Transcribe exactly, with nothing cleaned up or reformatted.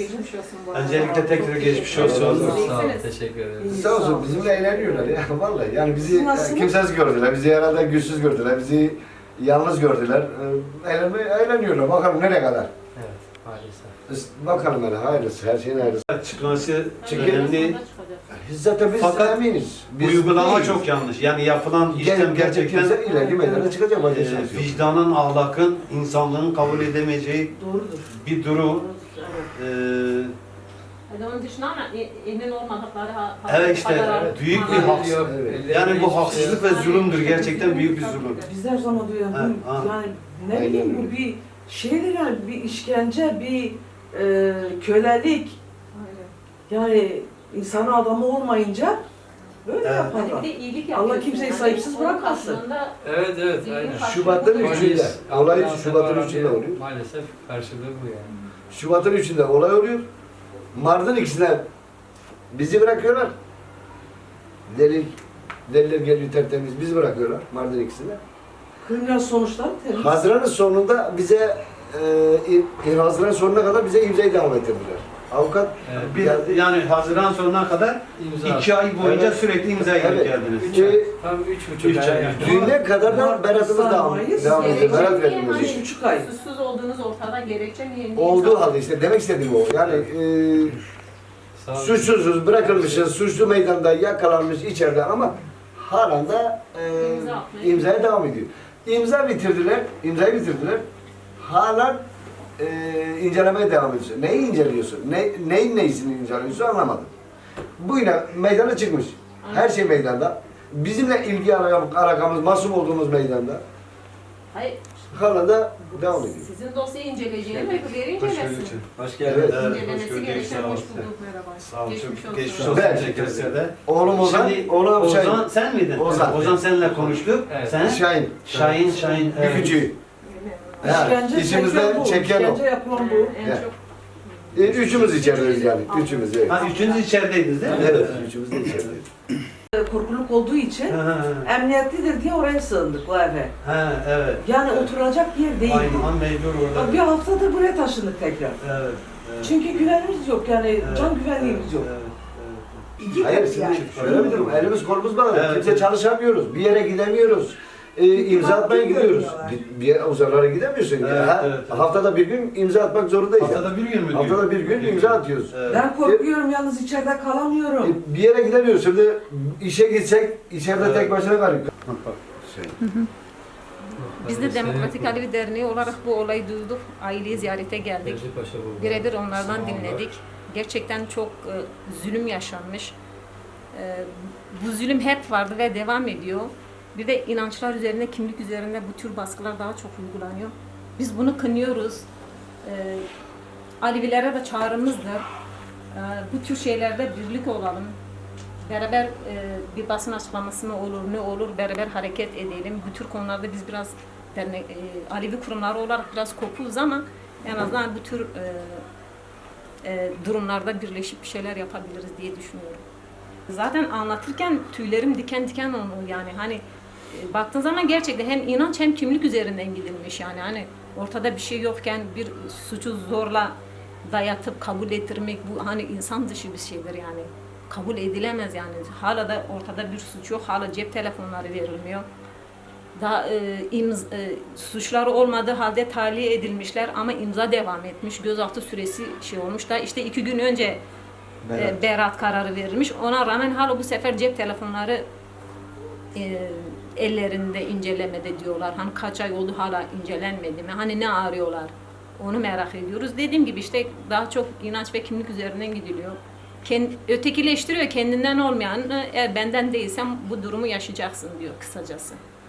Geçmiş olsun bu arada. Öncelikle tekrar geçmiş olsun. Sağ ol, teşekkür ederim. Sağ olsun bizimle eğleniyorlar ya vallahi. Yani bizi Siz nasılsınız? kimsesiz gördüler, bizi herhalde güçsüz gördüler, bizi yalnız gördüler. Ee, Eğlenme, eğleniyorlar. Bakalım nereye kadar. Evet, maalesef. Biz bakalım hele hayırlısı, her şeyin hayırlısı. Çıkması Çünkü- önemli. Biz zaten biz Fakat eminiz. Biz Uygulama değiliz. çok yanlış. Yani yapılan Gel- işlem gerçek gerçekten kimse ileriki meydana çıkacak. Başka e, şey yok. vicdanın, ahlakın, insanlığın kabul edemeyeceği Doğrudur. bir durum. Doğrudur, evet. E, Yani onun dışında ama emin olmadıkları ha- Evet işte, kadar- evet, büyük bir Ha- haksızlık. Evet. Yani bu haksızlık ve zulümdür. Gerçekten büyük bir zulüm. Biz de her zaman diyorum, Ha, bu- ha. yani ne Aynen bileyim öyle. bu bir şeydir yani, bir işkence, bir e, kölelik. Yani insanın adamı olmayınca böyle Evet. Hani bir yaparlar. de iyilik Allah yapıyorsun. kimseyi Yani sahipsiz onun bırakmasın. karşılığında Evet, evet, Düğün aynen. karşılığı Şubat'ın bu. üçünde. Olay Ambulans Şubat'ın yapan üçünde bir- oluyor. Maalesef karşılığı bu yani. Şubat'ın üçünde olay oluyor. Mart'ın ikisine bizi bırakıyorlar. Delil, deliller geliyor tertemiz, bizi bırakıyorlar Mart'ın ikisine. Kriminal sonuçlar temiz. Haziran'ın sonunda bize, e, Haziran sonuna kadar bize imzayı devam ettirdiler. Avukat Evet. Bir, geldi. yani Haziran sonuna kadar İmza. iki ay boyunca Evet. sürekli imza edip Evet. geldiniz. Üç ay. Tam üç buçuk Üç ay. ay. yani. Düğüne kadar da beratımız devam, Mayıs, devam ediyor. gerekçe Berat niye verilmesi hani- için. Üç buçuk ay. Suçsuz olduğunuz ortada, gerekçe niye? niye Olduğu insan- halde işte demek istediğim o. Yani e, Sağ olun. suçsuzuz, bırakılmışız, suçlu meydanda yakalanmış içeride ama halen de e, İmza atmaya imzaya devam ediyor. İmza bitirdiler, imzayı bitirdiler. Halen e, incelemeye devam ediyorsun. Neyi inceliyorsun? Ne, neyin neyisini inceliyorsun anlamadım. Bu yine meydana çıkmış. Her şey meydanda. Bizimle ilgi alakam- alakamız, masum olduğumuz meydanda. Hayır, Halen de devam ediyor. sizin dosyayı inceleyeceğini ve öbürleri incelesin. Hoş Evet. Evet, İncelemesi hoş gördük, gereken sağ hoş olun. bulduk, merhaba. Sağ olun, Geçmiş çok olsun. geçmiş olsun. Ben- Teşekkür ederim. Oğlum Ozan, Şimdi oğlum Ozan Şahin. sen miydin? Ozan. Ozan seninle konuştuk. Evet. Sen? Şahin. Şahin, Şahin. Bir küçüğü. Ha, İşkence içimizde çeken bu. çeken o. İşkence yapılan bu. En Evet. çok E, Üçümüz içerideyiz yani. Üçümüz evet. Ha, üçünüz içerideydiniz değil mi? Evet, üçümüz de içerideyiz. Korkuluk olduğu için Ha, ha, emniyetlidir diye oraya sığındık bu eve. ha, evet. Yani oturacak yer değil. Aynı an mecbur orada. Bir haftadır buraya taşındık tekrar. Evet. evet. Çünkü güvenimiz yok yani Evet, can güvenliğimiz yok. Evet, evet. İki Hayır, kat şimdi yani. şöyle bir durum. Elimiz kolumuz bağlı. Evet. Kimse çalışamıyoruz. Bir yere gidemiyoruz. E, imza atmaya gidiyoruz. Bir yere uzaklara gidemiyorsun. Evet, ya. Ha, evet, evet. Haftada bir gün imza atmak zorundayız. yani. Haftada bir gün mü diyor? Haftada bir gün imza atıyoruz. Evet. Ben korkuyorum yalnız içeride kalamıyorum. E, bir yere gidemiyoruz. Şimdi işe gitsek içeride Evet. tek başına kalıyoruz. Şey. Biz de Demokratik Alevi Derneği olarak bu olayı duyduk. Aileyi ziyarete geldik. Necip Paşa bu. Birebir onlardan Sağ olun. dinledik. Gerçekten çok e, zulüm yaşanmış. E, bu zulüm hep vardı ve devam ediyor. Bir de inançlar üzerinde, kimlik üzerinde bu tür baskılar daha çok uygulanıyor. Biz bunu kınıyoruz. E, Alevilere de çağrımızdır. E, bu tür şeylerde birlik olalım. Beraber e, bir basın açıklaması mı olur, ne olur, beraber hareket edelim. Bu tür konularda biz biraz dernek, e, Alevi kurumları olarak biraz kopuz ama en azından bu tür e, e, durumlarda birleşip bir şeyler yapabiliriz diye düşünüyorum. Zaten anlatırken tüylerim diken diken oldu yani hani e, baktığın zaman gerçekten hem inanç hem kimlik üzerinden gidilmiş yani hani ortada bir şey yokken bir suçu zorla dayatıp kabul ettirmek bu hani insan dışı bir şeydir yani kabul edilemez yani hala da ortada bir suç yok hala cep telefonları verilmiyor. Daha e, imz, e, suçları olmadığı halde tahliye edilmişler ama imza devam etmiş. Gözaltı süresi şey olmuş da işte iki gün önce Berat. e, beraat kararı verilmiş. Ona rağmen hala bu sefer cep telefonları e, ellerinde incelemede diyorlar. Hani kaç ay oldu hala incelenmedi mi? Hani ne arıyorlar? Onu merak ediyoruz. Dediğim gibi işte daha çok inanç ve kimlik üzerinden gidiliyor. Kend, ötekileştiriyor kendinden olmayan eğer benden değilsem bu durumu yaşayacaksın diyor kısacası.